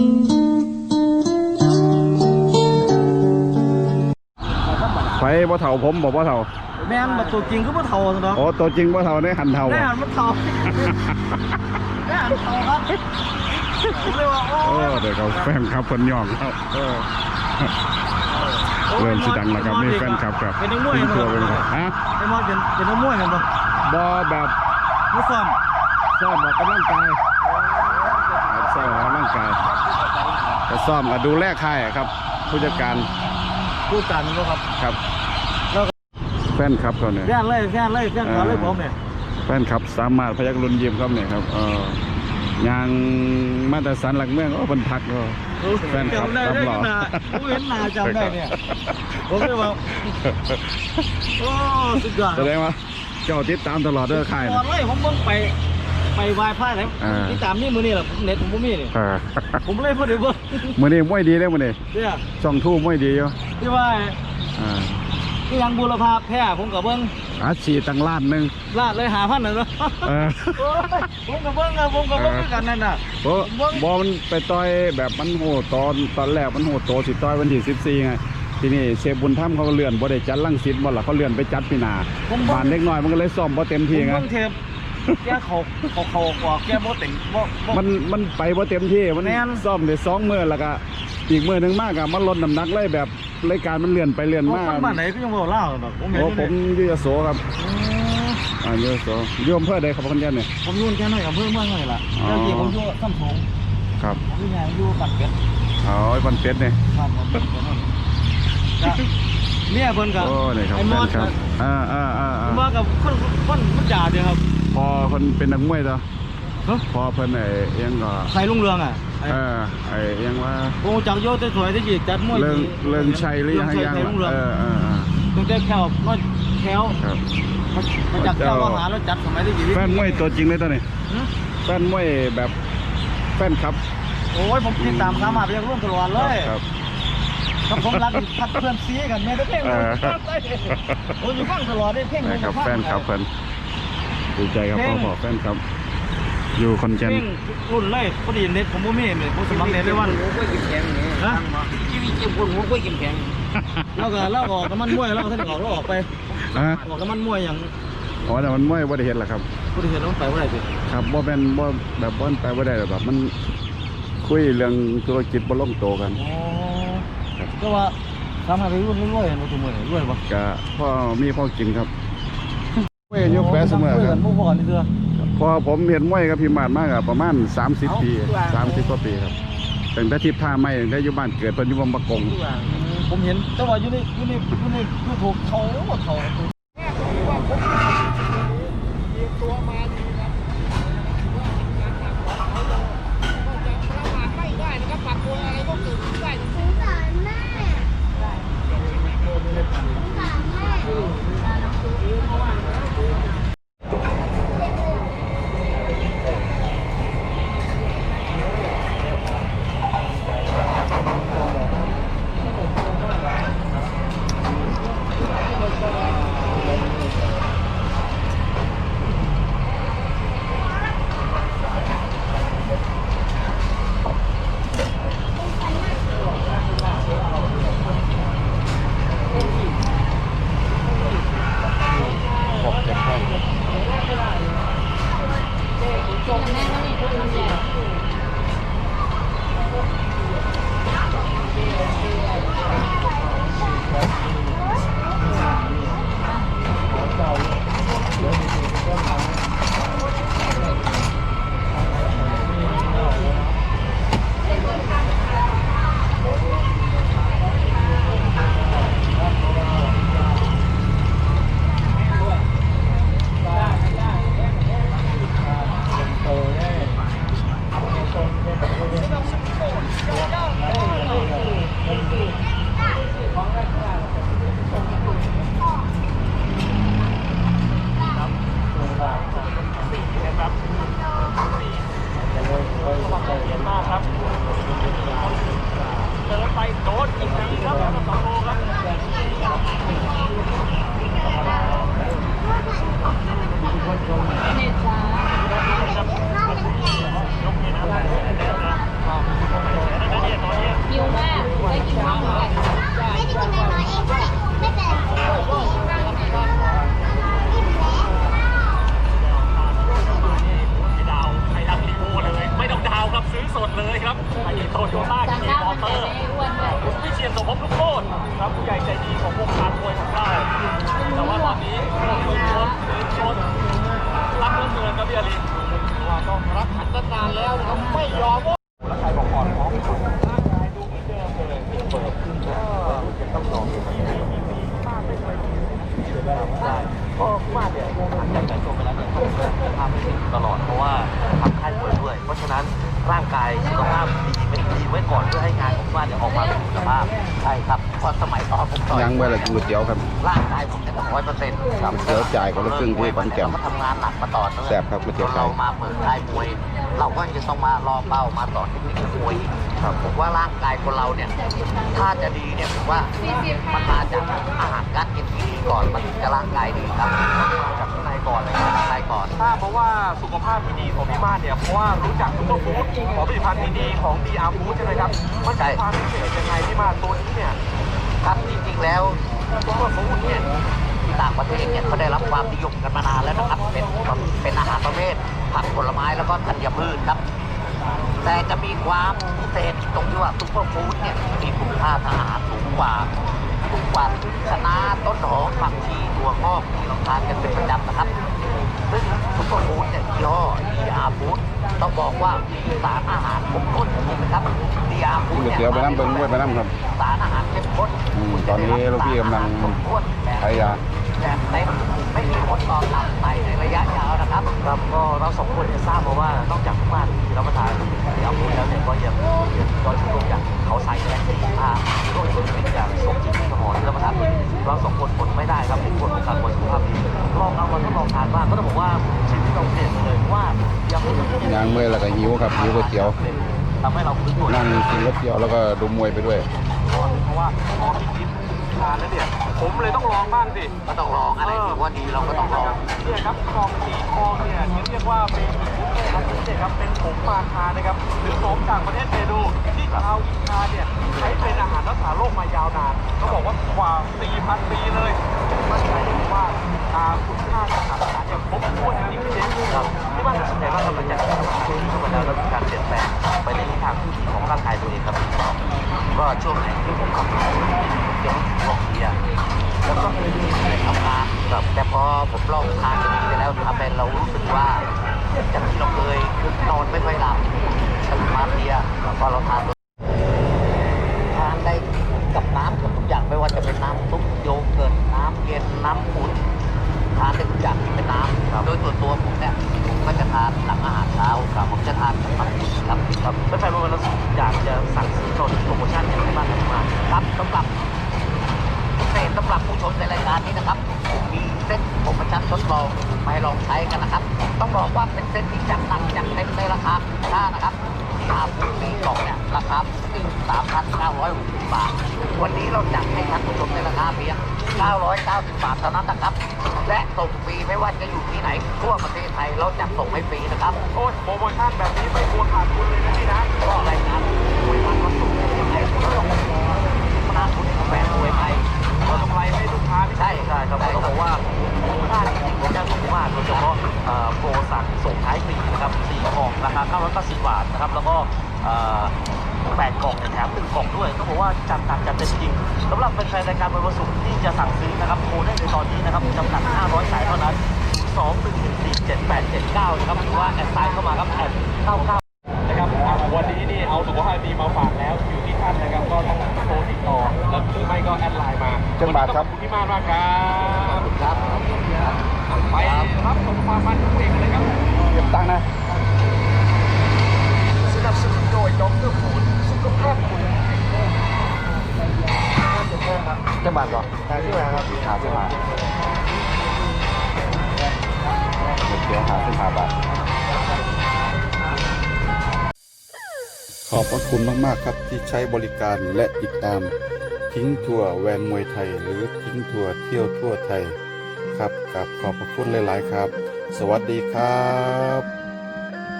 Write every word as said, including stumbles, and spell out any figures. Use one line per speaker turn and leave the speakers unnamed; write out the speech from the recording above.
ไฟบ่เท่าผมบอกบ่เท่า
แม่นแบบตัวจริงก็บ่เท่าเนาะ
โอ้ตัวจริงบ่เท่าได้หันเท่า
ได้หันมันเท่าได้หันเท่าครับผมเลยว่าโอ้
เดี๋ยวเขาแฟนครับคนย่องครับเริ่มสิดังแล้วครับนี่แฟนครับครับ
เป็นนักมวย
ตัวเป็นครับฮะ
ไอ้มอสเป็นเป็นนักมวยกันปะ
บ่แบบ
ไม่ซ้อม
ซ้อมออกกำลังกายซ้อมออกกำลังกายจะซ้อมกับดูแลค่ายครับผู้จัดการ
ผู้จัดมันก็ครับ
ครับแฟนครับเขาเนี่ย
แฟนเลยแฟนเลยแฟนเขาเลยผมเนี่ย
แฟนครับสามารถพยักรุนยิ้มครับเนี่ยครับเออย่างมาตรฐานหลักเมืองก็บรรทักก็แฟนครับตำรวจ
ผมเห็นหน้าจำได้เนี่ยผมเลยว่าโอ้สุดยอด
แสดงว่าเจ้าติดตามตลอดเด้อค่าย
ตลอดเลยผมเพิ่งไปไปวายผ้าไหนติดตามนี่มือนี่แหละเน็ตผมมีนี่ผมเลยพูดเลยเบิ้ง
มือนี่มวยดีเลยมือนี่
เนี่ย
ช่องทู่มวยดีอยู่
ที่ว่าที่ยังบูรพาแพ้ผมกับเบิ้ง
อาชีตั้งล้านหนึ่ง
ล้านเลยหาพันหนึ่งเนาะผมกับเบิ้งอะผมกับเบิ้งกันนั่นน่ะ
โอ้บอมันไปต่อยแบบมันโหตอนตอนแรกมันโหโตสิต่อยวันที่สิบสี่ไงทีนี้เชฟบุญธรรมเขาก็เลื่อนบ่ได้จัดลังสิตบ่ล่ะเขาเลื่อนไปจัดปีหน้าบ้านเล็กน้อยมันก็เลยซ้อมบ่เต็มที่ไง
แกเขาเขาเขากว่าแกบ่เต็มบ่
มันมันไปบ่เต็มที่มันซ้อมได้สองมื้อแล้วก็อีกมื้อนึงมากอะมันลดน้ำหนักเลยแบบรายการมันเลื่อนไปเลื่อนมา
บ้านไหนพี่ยังบ่เล่าแบบผม
เห็นผมอยู่ยโสครับอ่าอยู่ยโสอยู่อำเภอใดครับคนเดียวเนี่ย
ผมอยู่แค่ไหนอำเภอเมืองไหนล่ะแล้วที่ผมอยู่ซ้ำสง
ครับ
ผมอยู่อยู่ปัดเป็ด
อ๋อปัดเป็ดเนี่ย
ครับเนี่ยเพิ่นกับ
ไอ้มอสครับอ่าอ่าอ่า
มากับคนคนมันจ่าเดียวครับ
พอคนเป็นนักมวยต่อพอเพิ่นไอ้ยังก็
ใครลุงเรืองอ่ะ
เออไอ้ยังว่า
โอ้จังโยแต่สวยที่จีจัดมวย
เรื่องเรื่องชัยหรือยังยังเออเออ
ต้องได้แควน้อยแควมาจัดแควอาหารแล้วจัดสมัยที่จี
แฟนมวยตัวจริงเลยตอนนี้แฟนมวยแบบแฟนครับ
โอ้ยผมติดตามสามารถไปยังร่วมตลอดเลย
ครับ
กับผมรักพัดเพื่อนซีกันแม่ได้เพ่งโอ้ยฟังตลอดได้เพ่ง
ครับแฟนครับเพื่อนดีใจครับพ่อบอกแฟนครับอยู่คอนเจน
รุ่นเลยพอดีเน็ตผมไม่มีเลยผมสมัครเน็ตได้วัน
หัวกล้วยกินแข็งนี่นะชีวิตเจ็บปวดหัวกล้วยกินแข็ง
แล้วก็แล้วออกน้ำมันมวยแล้วท่านออกแล้วออกไปออกน้ำมันมวยอย่าง
อ๋อแต่มันมวยบ่ได้เห็นหรอครับ
บ่ได้เห็นต้องไปบ่ได้สิ
ครับบ่เป็นบ่แบบบ่ไปบ่ได้แบบมันคุยเรื่องธุรกิจบ่ลงโตกัน
อ๋อก็ว่าทำอะไรรุ่นรวยๆมาตัวเมื่อรวยปะ
ก็พ่อมีพ่อกินครับมวยยกแปะเสมอครับพอผมเห็นมวยกับพี่มาดมากอะประมาณสามสิบปีสามสิบกว่าปีครับตั้งแต่ทิพย์ท่าไม่ได้อยู่บ้านเกิดเพิ่นอยู่บางปะกง
ผมเห็นแต่ว่าอยู่ในอยู่ในอยู่ในยูทูบเขาเขาตัวมาดีครับไม่ได้นะครับปรับตัวอะไรก็เกิดขึ้นได้สงสารแม่สงสารแม่
ซื้อสดเลยครับอันนี้โตโยต้าเคมอเตอร์วิเชียรสมภพลูกโคตรครับผู้ใหญ่ใจดีของวงการมวยของเราแต่ว่าตอนนี้โดนชนโดนชนรักเหลือเกินครับพี่อาลีว่าต้องรักขันตั้งนานแล้วนะครับไม่ยอมว่าแล้วใครบอกก่อนของร่างกายดูเหมือนเดิมเลยเปิดขึ้นก็ต้องลองดูมีมีมีป้าไม่เคยมีได้ก็มาเนี่ยหลังจากแต่งตัวไปแล้วเนี่ยต้องจะทำให้ดีตลอดเพราะว่าทำค่ายมวยด้วยเพราะฉะนั้นร่างกายสุขภาพดีเป็นดีไว้ก่อนเพื่อให้งานของบ้านเนี่ยออกมาเป็นคุณภาพใช่ครับเพราะสมัยตอนผมต่อย
ยังไว้ละกินก๋วยเตี๋ยวครับ
ร่างกายผมเนี่ยร้อยเปอร์เซ็นต์
ครับเดี๋ยวจ่ายคนละครึ่งที่ขอนแก่น
เราก็ทำงานหนักมาต่อเนื่อง
แซ่บครับก๋วยเตี๋ยวไก่
เรามาเปิดค่ายมวย เราก็จะต้องมารอเป้ามาต่อเทคนิคมวยอีกครับผมว่าร่างกายคนเราเนี่ยถ้าจะดีเนี่ยผมว่ามันมาจากอาหารการกินที่ดีก่อนมันถึงจะร่างกายดีครับมาจากข้างในก่อนเลยครับข้างในก่อนทราบเพราะว่าสุขภาพที่ดีของพี่มาเนี่ยเพราะว่ารู้จักซุปเปอร์ฟู้ดของผลิตภัณฑ์ดีๆของ ดี อาร์ Food ใช่ไหมครับมันมีความพิเศษยังไงพี่มาตัวนี้เนี่ยครับจริงๆแล้วซุปเปอร์ฟู้ดเนี่ยที่ต่างประเทศเนี่ยเขาได้รับความนิยมกันมานานแล้วนะครับเป็นเป็นอาหารประเภทผักผลไม้แล้วก็ธัญพืชครับแต่จะมีความพิเศษตรงที่ว่าซุปเปอร์ฟู้ดเนี่ยมีคุณค่าทางอาหารสูงกว่าสูงกว่าคะน้าต้นหอมผักชีถั่วงอกที่เราทานกันเป็นประจำนะครับซึ่งซุปเปอร์ฟู้ดเนี่ยยี่ห้อ ดี อาร์ Food ต้องบอกว่ามีสารอาหารครบถ้วนจริงๆนะครับ ดี อาร์ Food
ก๋วยเตี๋ยวไปน้ำเบิ้งด้วยไปน้ำครับ
สารอาหารเข้มข้น
อืมตอนนี้ลูกพี่กำลังใช้ยา
แบบเต็มไม่มีผลต่อตับไตในระยะยาวนะครับครับก็เราสองคนเนี่ยทราบมาว่านอกจากทุกบ้านที่รับประทานดีอาร์ Food แล้วเนี่ยก็ยังยังยอดชูโรงอย่างเขาใส่แรงสีผ้าโรคชนิดอย่างสมจิตสมองที่รับประทานเราสองคนอดไม่ได้ครับเป็นคนของการบริสุขภาพดีลองเอามาทดลองทานบ้างก็ต้องบอกว่าชีวิตเราเปลี่ยนไปเลยว่าดีอาร์ Food
ยางเมื่อยแล้วก็หิวครับหิวก๋วยเตี๋ยว
ทำให้เราฟื้นตัว
นั่งกินก๋วยเตี๋ยวแล้วก็ดูมวยไปด้วย
เพราะว่าพอพี่คิดทานแล้วเนี่ยผมเลยต้องลองบ้างสิก็ต้องลองอะไรที่ว่าดีเราก็ต้องลองเนี่ยครับทองสีทองเนี่ยเรียกว่าเป็นบุฟเฟ่ครับพิเศษครับเป็นผงมาคานะครับหรือของจากประเทศเปรูที่ชาวอินคาเนี่ยใช้เป็นอาหารรักษาโรคมายาวนานเขาบอกว่ากว่า สี่พัน ปีเลยมั่นใจได้ว่าคุณค่าทางอาหารเนี่ยครบถ้วนจริงๆพี่เจ๊ครับที่บ้านสนใจว่าเราจะทำอาหารที่เข้ามาแล้วแล้วมีการเปลี่ยนแปลงไปในทิศทางที่ดีของร่างกายตัวเองครับก็ช่วงไหนที่ผมขับรถเดี๋ยวบอกเบียร์แล้วก็ทำงานแบบแต่พอผมลองทานตัวนี้ไปแล้วทำให้เรารู้สึกว่าจากที่เราเคยนอนไม่ค่อยหลับตื่นมาเพลียแล้วก็เราทานทานได้กับน้ำเกือบทุกอย่างไม่ว่าจะเป็นน้ำซุปโยเกิร์ตน้ำเย็นน้ำอุ่นทานได้ทุกอย่างที่เป็นน้ำโดยตัวตัวผมเนี่ยผมก็จะทานหลังอาหารเช้าครับผมจะทานกับผักครับครับไม่ใช่ว่าเราอยากจะสั่งซื้อโปรโมชั่นอย่างไรบ้างครับครับสำหรับพิเศษสำหรับผู้ชมในรายการนี้นะครับมีเซ็ตโปรโมชั่นทดลองไปลองใช้กันนะครับต้องบอกว่าเป็นเซ็ตที่จัดหนักจัดเต็มในราคาค่านะครับที่อาบุมีกล่องเนี่ยราคาสามพันเก้าร้อยหกสิบบาทวันนี้เราจัดให้ท่านผู้ชมในราคาเพียงเก้าร้อยเก้าสิบบาทเท่านั้นนะครับและส่งฟรีไม่ว่าจะอยู่ที่ไหนทั่วประเทศไทยเราจัดส่งให้ฟรีนะครับโอ้ยโปรโมชั่นแบบนี้ไม่กลัวขาดทุนเลยนะพี่นะก็รายการมวยมันก็ส่งให้ไทยก็ต้องมานาคุณแฟนมวยไทยเรากำไรให้ลูกค้าไม่ใช่ใช่ครับต้องบอกว่าคุ้มค่าจริงๆผมจะบอกว่าโดยเฉพาะโปรสั่งส่งท้ายปีนะครับสี่กล่องราคาเก้าร้อยเก้าสิบบาทนะครับแล้วก็แปดกล่องแถมหนึ่งกล่องด้วยต้องบอกว่าจัดหนักจัดเต็มจริงสำหรับแฟนๆรายการมวยวันศุกร์ที่จะสั่งซื้อนะครับโทรได้ในตอนนี้นะครับจำกัดห้าร้อยสายเท่านั้นสอง หนึ่ง หนึ่ง สี่ เจ็ด แปด เจ็ด เก้านะครับหรือว่าแอดไซน์เข้ามาครับแอดเก้าเก้านะครับวันนี้นี่เอาสุขภาพดีมาฝากแล้วอยู่ที่ท่านนะครับก็ต้องโทรติดต่อแล้วหรือไม่ก็แอดไลน์มา
จังบาทครับ
ขอบคุณที่มากมากครับครับไปรับส่งความมันทุกเองเลยครับ
เก็บตังค์นะ
สนับสนุนโดยดรฟูดสุขภาพคุณจังบาทก่อนหาที่มาครับหาที่มา
เดี๋ยวหาขึ้นหาบาทขอบพระคุณมากๆครับที่ใช้บริการและติดตามทิ้งทัวร์แวนมวยไทยหรือทิ้งทัวร์เที่ยวทั่วไทยครับกับขอบพระคุณหลายๆครับสวัสดีครับ